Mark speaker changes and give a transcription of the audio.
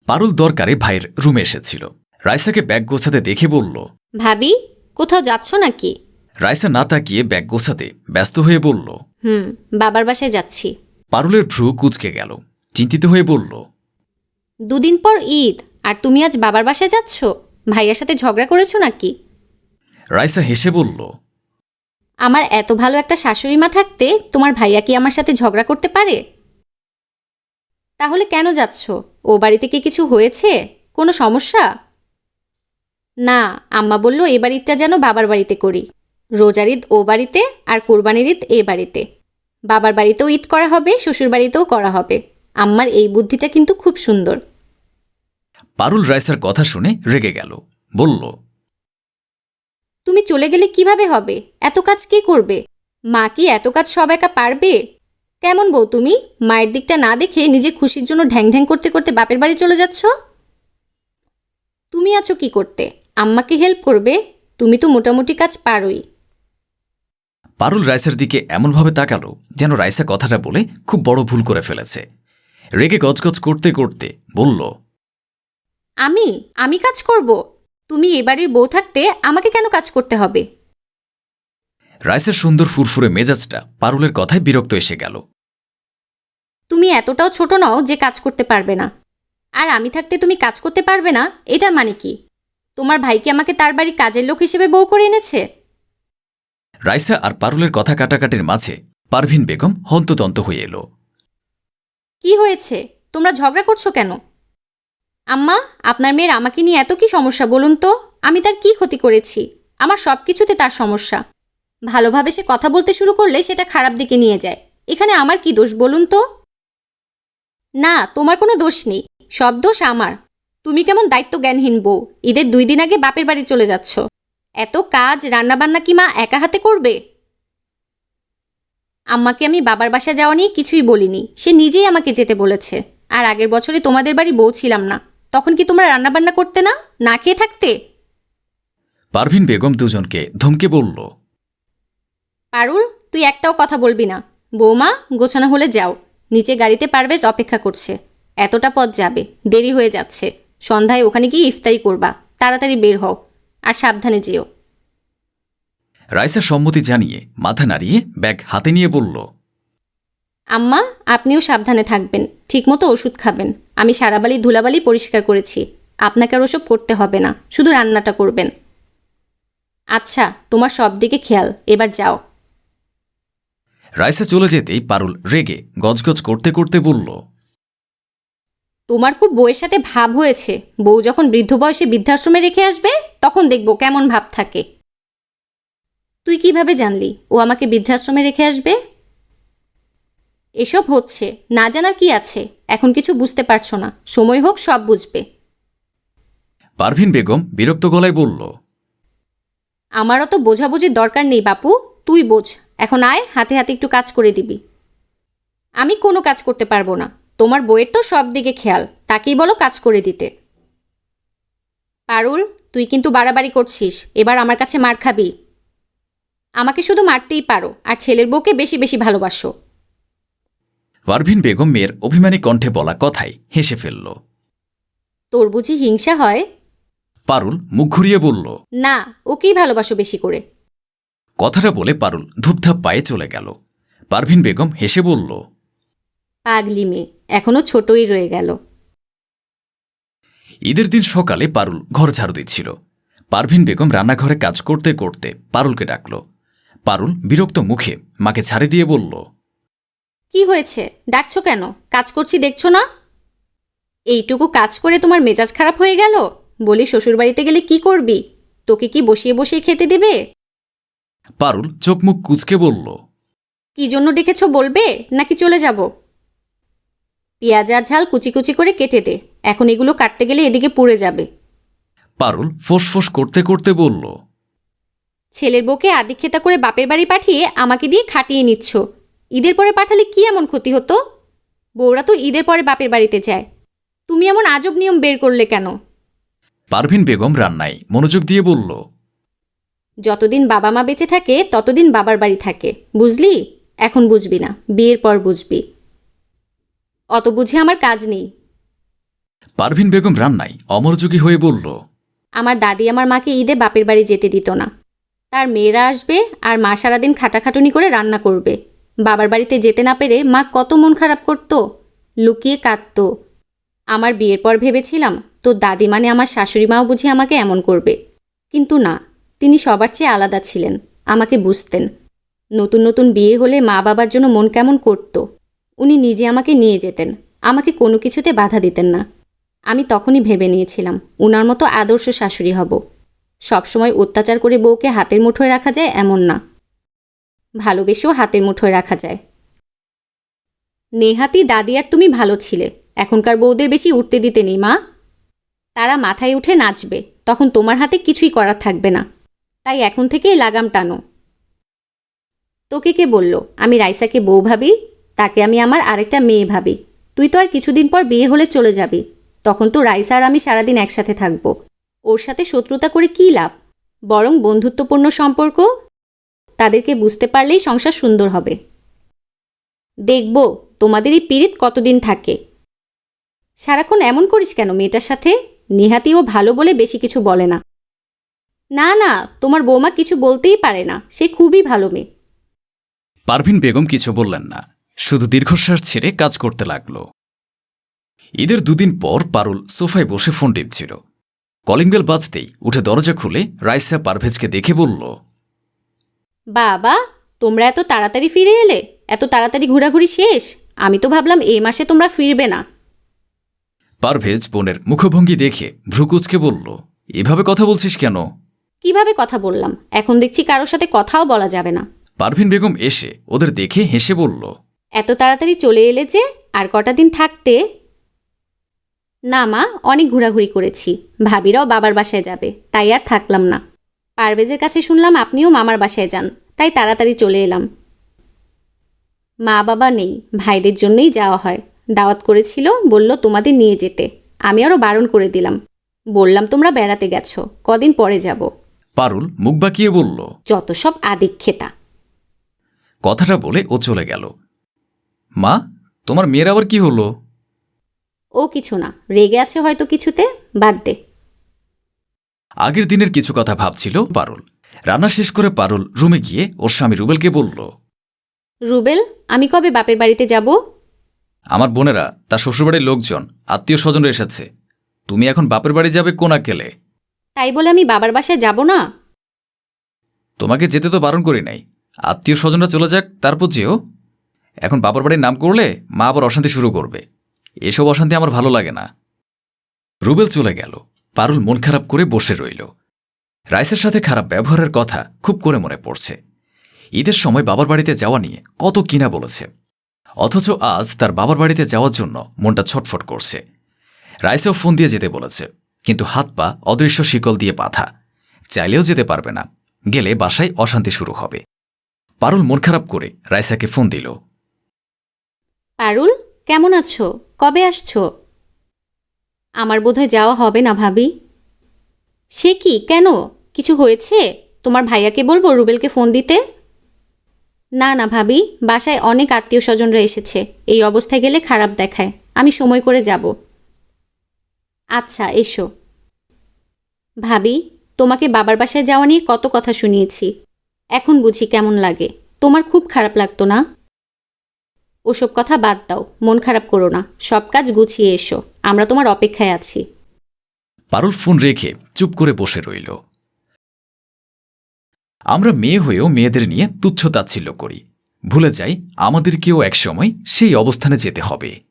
Speaker 1: পারুল দরকারে ভাইয়ের রুমে এসেছিল। রাইসাকে ব্যাগ গোছাতে দেখে বলল,
Speaker 2: ভাবি, কোথাও যাচ্ছ নাকি?
Speaker 1: রাইসা না তাকিয়ে ব্যাগ গোছাতে ব্যস্ত হয়ে বলল,
Speaker 2: বাবার বাসায় যাচ্ছি।
Speaker 1: পারুলের ভ্রু কুঁচকে গেল। চিন্তিত হয়ে বলল,
Speaker 2: 2 দিন পর ঈদ, আর তুমি আজ বাবার বাসায় যাচ্ছ? ভাইয়ার সাথে ঝগড়া করেছো নাকি?
Speaker 1: রাইসা হেসে বলল,
Speaker 2: আমার এত ভালো একটা শাশুড়ি মা থাকতে তোমার ভাইয়া কি আমার সাথে ঝগড়া করতে পারে? তাহলে কেন যাচ্ছ? ও বাড়িতে কি কিছু হয়েছে? কোনো সমস্যা? না, আম্মা বলল এ বাড়িটা যেন বাবার বাড়িতে করি। রোজার ঈদ ও বাড়িতে আর কোরবানির ঈদ এ বাড়িতে। বাবার বাড়িতেও ঈদ করা হবে, শ্বশুর বাড়িতেও করা হবে। আম্মার এই বুদ্ধিটা কিন্তু খুব সুন্দর।
Speaker 1: পারুল রাইসার কথা শুনে রেগে গেল। বলল,
Speaker 2: তুমি চলে গেলে কিভাবে হবে? এত কাজ কে করবে? মা কি এত কাজ সব একা পারবে? কেমন বউ তুমি? মায়ের দিকটা না দেখে নিজের খুশির জন্য ঢ্যাং ঢ্যাং করতে করতে বাপের বাড়ি চলে যাচ্ছ। তুমি আছো কি করতে? আম্মাকে হেল্প করবে? তুমি তো মোটামুটি কাজ পারোই।
Speaker 1: পারুল রাইসার দিকে এমনভাবে তাকালো যেন রাইসা কথাটা বলে খুব বড় ভুল করে ফেলেছে। রেগে গজগজ করতে করতে বলল,
Speaker 2: আমি কাজ করব? তুমি এ বাড়ির বউ থাকতে আমাকে কেন কাজ করতে হবে?
Speaker 1: রাইসার সুন্দর ফুরফুরে মেজাজটা পারুলের কথায় বিরক্ত এসে গেল।
Speaker 2: তুমি এতটাও ছোট নও যে কাজ করতে পারবে না। আর আমি থাকতে তুমি কাজ করতে পারবে না, এটার মানে কি? তোমার ভাই কি আমাকে তার বাড়ি কাজের লোক হিসেবে বউ করে এনেছে?
Speaker 1: রাইসা আর পারুলের কথা কাটাকাটির মাঝে পারভিন বেগম হন্তদন্ত হয়ে এলো।
Speaker 2: কি হয়েছে? তোমরা ঝগড়া করছো কেন? আম্মা, আপনার মেয়ের আমাকে নিয়ে এত কি সমস্যা বলুন তো? আমি তার কি ক্ষতি করেছি? আমার সব কিছুতে তার সমস্যা। ভালোভাবে সে কথা বলতে শুরু করলে সেটা খারাপ দিকে নিয়ে যায়। এখানে আমার কি দোষ বলুন তো? না, তোমার কোনো দোষ নেই, সব দোষ আমার। তুমি কেমন দায়িত্ব জ্ঞানহীন বউ! ঈদের 2 দিন আগে বাপের বাড়ি চলে যাচ্ছ। এত কাজ রান্নাবান্না কি মা একা হাতে করবে? আম্মাকে আমি বাবার বাসা যাওয়া নিয়ে কিছুই বলিনি, সে নিজেই আমাকে যেতে বলেছে। আর আগের বছরে তোমাদের বাড়ি বউ ছিলাম না, তখন কি তোমরা রান্নাবান্না করতে না, না খেয়ে থাকতে?
Speaker 1: পারভিন বেগম দুজনকে ধমকে বলল,
Speaker 2: পারুল, তুই একটাও কথা বলবি না। বৌমা, গোছানো হলে যাও। নিচে গাড়িতে পারভেজ অপেক্ষা করছে। এতটা পথ যাবে, দেরি হয়ে যাচ্ছে। সন্ধ্যায় ওখানে গিয়ে ইফতারি করবা। তাড়াতাড়ি বের হও, আর সাবধানে যেও।
Speaker 1: রাইসা সম্মতি জানিয়ে মাথা নাড়িয়ে ব্যাগ হাতে নিয়ে বলল,
Speaker 2: আম্মা, আপনিও সাবধানে থাকবেন, ঠিকমতো ওষুধ খাবেন। আমি সারাবালি ধুলাবালি পরিষ্কার করেছি, আপনাকে আর ওসব করতে হবে না, শুধু রান্নাটা করবেন। আচ্ছা, তোমার সব দিকে খেয়াল, এবার যাও।
Speaker 1: রাইসা চলে যেতেই পারুল রেগে গজগজ করতে করতে বলল,
Speaker 2: তোমার খুব বউয়ের সাথে ভাব হয়েছে। বউ যখন বৃদ্ধ বয়সে বৃদ্ধাশ্রমে রেখে আসবে, তখন দেখব কেমন ভাব থাকে। তুই কিভাবে জানলি ও আমাকে বৃদ্ধাশ্রমে রেখে আসবে? এসব হচ্ছে, না জানার কি আছে? এখন কিছু বুঝতে পারছো না, সময় হোক সব বুঝবে।
Speaker 1: পারভিন বেগম বিরক্ত গলায় বলল,
Speaker 2: আমারও তো বোঝাবুঝির দরকার নেই বাপু, তুই বোঝ। এখন আয়, হাতে হাতে একটু কাজ করে দিবি। আমি কোনো কাজ করতে পারবো না। তোমার বউয়ের তো সব দিকে খেয়াল, তাকেই বলো কাজ করে দিতে। পারুল, তুই কিন্তু বাড়াবাড়ি করছিস, এবার আমার কাছে মার খাবি। আমাকে শুধু মারতেই পারো, আর ছেলের বউকে বেশি বেশি ভালোবাসো।
Speaker 1: পারভিন বেগম মেয়ের অভিমানী কণ্ঠে বলা কথায় হেসে ফেলল।
Speaker 2: তোর বুঝি হিংসা হয়?
Speaker 1: পারুল মুখ ঘুরিয়ে বলল,
Speaker 2: না, ওকেই ভালোবাসো বেশি করে।
Speaker 1: কথাটা বলে পারুল ধূপধাপ পায়ে চলে গেল। পারভিন বেগম হেসে বলল,
Speaker 2: পাগলি মেয়ে, এখনো ছোটই রয়ে গেল।
Speaker 1: ঈদের দিন সকালে পারুল ঘর ঝাড়ু দিচ্ছিল। পারভিন বেগম রান্নাঘরে কাজ করতে করতে পারুলকে ডাকল। পারুল বিরক্ত মুখে মাকে ঝাড়ে দিয়ে বলল,
Speaker 2: কি হয়েছে, ডাকছো কেন? কাজ করছি দেখছো না? এইটুকু কাজ করে তোমার মেজাজ খারাপ হয়ে গেল? বলি, শ্বশুরবাড়িতে গেলে কি করবি? তোকে কি বসিয়ে বসিয়ে খেতে দেবে?
Speaker 1: পারুল চোখ মুখ কুঁচকে বলল,
Speaker 2: কি জন্য ডেকেছো বলবে, নাকি চলে যাব? পেঁয়াজ আর ঝাল কুচি কুচি করে কেটে দে, এখন এগুলো কাটতে গেলে এদিকে পুড়ে যাবে।
Speaker 1: পারুল ফোঁস করতে করতে বলল,
Speaker 2: ছেলের বউকে আদিক্ষেতা করে বাপের বাড়ি পাঠিয়ে আমাকে দিয়ে খাটিয়ে নিচ্ছ। ঈদের পরে পাঠালে কি এমন ক্ষতি হতো? বউরা তো ঈদের পরে বাপের বাড়িতে যায়। তুমি এমন আজব নিয়ম বের করলে কেন?
Speaker 1: পারভিন বেগম রান্নায় মনোযোগ দিয়ে বলল,
Speaker 2: যতদিন বাবা মা বেঁচে থাকে ততদিন বাবার বাড়ি থাকে, বুঝলি? এখন বুঝবি না, বিয়ের পর বুঝবি। অত বুঝে আমার কাজ নেই।
Speaker 1: পারভিন বেগম রান্নায় অমরযোগী হয়ে বলল,
Speaker 2: আমার দাদি আমার মাকে ঈদে বাপের বাড়ি যেতে দিত না। তার মেয়েরা আসবে আর মা সারাদিন খাটাখাটুনি করে রান্না করবে। বাবার বাড়িতে যেতে না পেরে মা কত মন খারাপ করত, লুকিয়ে কাঁদত। আমার বিয়ের পর ভেবেছিলাম তোর দাদি মানে আমার শাশুড়ি মাও বুঝি আমাকে এমন করবে, কিন্তু না, তিনি সবার চেয়ে আলাদা ছিলেন, আমাকে বুঝতেন। নতুন নতুন বিয়ে হলে মা বাবার জন্য মন কেমন করত। উনি নিজে আমাকে নিয়ে যেতেন, আমাকে কোনো কিছুতে বাধা দিতেন না। আমি তখনই ভেবে নিয়েছিলাম উনার মতো আদর্শ শাশুড়ি হব। সবসময় অত্যাচার করে বউকে হাতের মুঠোয় রাখা যায় এমন না, ভালোবেসেও হাতের মুঠোয় রাখা যায়। নেহাতি দাদি আর তুমি ভালো ছিলে, এখনকার বউদের বেশি উঠতে দিতে নেই মা। তারা মাথায় উঠে নাচবে, তখন তোমার হাতে কিছুই করার থাকবে না। তাই এখন থেকেই লাগাম টানো। তোকে কে বলল আমি রাইসাকে বউ ভাবি? তাকে আমি আমার আরেকটা মেয়ে ভাবি। তুই তো আর কিছুদিন পর বিয়ে হলে চলে যাবি, তখন তো রাইসা আর আমি সারাদিন একসাথে থাকবো। ওর সাথে শত্রুতা করে কী লাভ? বরং বন্ধুত্বপূর্ণ সম্পর্ক, তাদেরকে বুঝতে পারলেই সংসার সুন্দর হবে। দেখব তোমাদের এই পীড়িত কতদিন থাকে। সারাক্ষণ এমন করিস কেন মেয়েটার সাথে? নেহাতি ও ভালো বলে বেশি কিছু বলে না। না না, তোমার বৌমা কিছু বলতেই পারে না, সে খুবই ভালো মেয়ে।
Speaker 1: পারভিন বেগম কিছু বললেন না, শুধু দীর্ঘশ্বাস ছেড়ে কাজ করতে লাগল। ঈদের দুদিন পর পারুল সোফায় বসে ফোন টিপছিল। কলিং বেল বাজতেই উঠে দরজা খুলে রাইসা পারভেজকে দেখে বলল,
Speaker 2: বাবা, তোমরা এত তাড়াতাড়ি ফিরে এলে? এত তাড়াতাড়ি ঘোরাঘুরি শেষ? আমি তো ভাবলাম এই মাসে তোমরা ফিরবে না।
Speaker 1: পারভেজ বোনের মুখভঙ্গি দেখে ভ্রুকুচকে বলল, এভাবে কথা বলছিস কেন?
Speaker 2: কিভাবে কথা বললাম? এখন দেখছি কারোর সাথে কথাও বলা যাবে না।
Speaker 1: পারভিন বেগম এসে ওদের দেখে হেসে বলল,
Speaker 2: এত তাড়াতাড়ি চলে এলে যে, আর কটা দিন থাকতে? না মা, অনেক ঘোরাঘুরি করেছি। ভাবিরাও বাবার বাসায় যাবে, তাই আর থাকলাম না। পারভেজের কাছে শুনলাম আপনিও মামার বাসায় যান, তাই তাড়াতাড়ি চলে এলাম। মা বাবা নেই, ভাইদের জন্যই যাওয়া হয়। দাওয়াত করেছিল, বলল তোমাদের নিয়ে যেতে। আমি আরও বারণ করে দিলাম, বললাম তোমরা বেড়াতে গেছো, কদিন পরে যাব।
Speaker 1: পারুল মুখ বাঁকিয়ে বলল,
Speaker 2: যত সব আদিক্ষেতা।
Speaker 1: কথাটা বলে ও চলে গেল। মা, তোমার মেয়ের আবার কি হলো?
Speaker 2: ও কিছু না, রেগে আছে হয়তো কিছুতে, বাদ দে।
Speaker 1: আগের দিনের কিছু কথা ভাবছিল পারুল। রান্না শেষ করে পারুল রুমে গিয়ে ওর স্বামী রুবেলকে বলল,
Speaker 2: রুবেল, আমি কবে বাপের বাড়িতে যাব?
Speaker 1: আমার বোনেরা, তার শ্বশুরবাড়ির লোকজন, আত্মীয় স্বজনরা এসেছে। তুমি এখন বাপের বাড়ি যাবে কোন আক্কেলে?
Speaker 2: তাই বলে আমি বাবার বাসায় যাব না?
Speaker 1: তোমাকে যেতে তো বারণ করি নাই। আত্মীয় স্বজনরা চলে যাক, তারপর যেও। এখন বাবার বাড়ির নাম করলে মা আবার অশান্তি শুরু করবে। এসব অশান্তি আমার ভালো লাগে না। রুবেল চলে গেল। পারুল মন খারাপ করে বসে রইল। রাইসের সাথে খারাপ ব্যবহারের কথা খুব করে মনে পড়ছে। ঈদের সময় বাবার বাড়িতে যাওয়া নিয়ে কত কিনা বলেছে, অথচ আজ তার বাবার বাড়িতে যাওয়ার জন্য মনটা ছটফট করছে। রাইসেও ফোন দিয়ে যেতে বলেছে, কিন্তু হাত পা অদৃশ্য শিকল দিয়ে বাঁধা, চাইলেও যেতে পারবে না। গেলে বাসায় অশান্তি শুরু হবে। পারুল মন খারাপ করে রাইসাকে ফোন দিল।
Speaker 2: পারুল, কেমন আছো? কবে আসছো? আমার বোধহয় যাওয়া হবে না ভাবি। সে কি, কেন? কিছু হয়েছে? তোমার ভাইয়াকে বলবো রুবেলকে ফোন দিতে? না না ভাবি, বাসায় অনেক আত্মীয় স্বজনরা এসেছে, এই অবস্থায় গেলে খারাপ দেখায়। আমি সময় করে যাব। আচ্ছা, এসো। ভাবি, তোমাকে বাবার বাসায় যাওয়া নিয়ে কত কথা শুনিয়েছি, এখন বুঝি কেমন লাগে। তোমার খুব খারাপ লাগতো না? ওসব কথা বাদ দাও, মন খারাপ করো না, সব কাজ গুছিয়ে এসো, আমরা তোমার অপেক্ষায় আছি।
Speaker 1: পারুল ফোন রেখে চুপ করে বসে রইল। আমরা মেয়ে হয়েও মেয়েদের নিয়ে তুচ্ছ তাচ্ছিল্য করি, ভুলে যাই আমাদেরকেও একসময় সেই অবস্থানে যেতে হবে।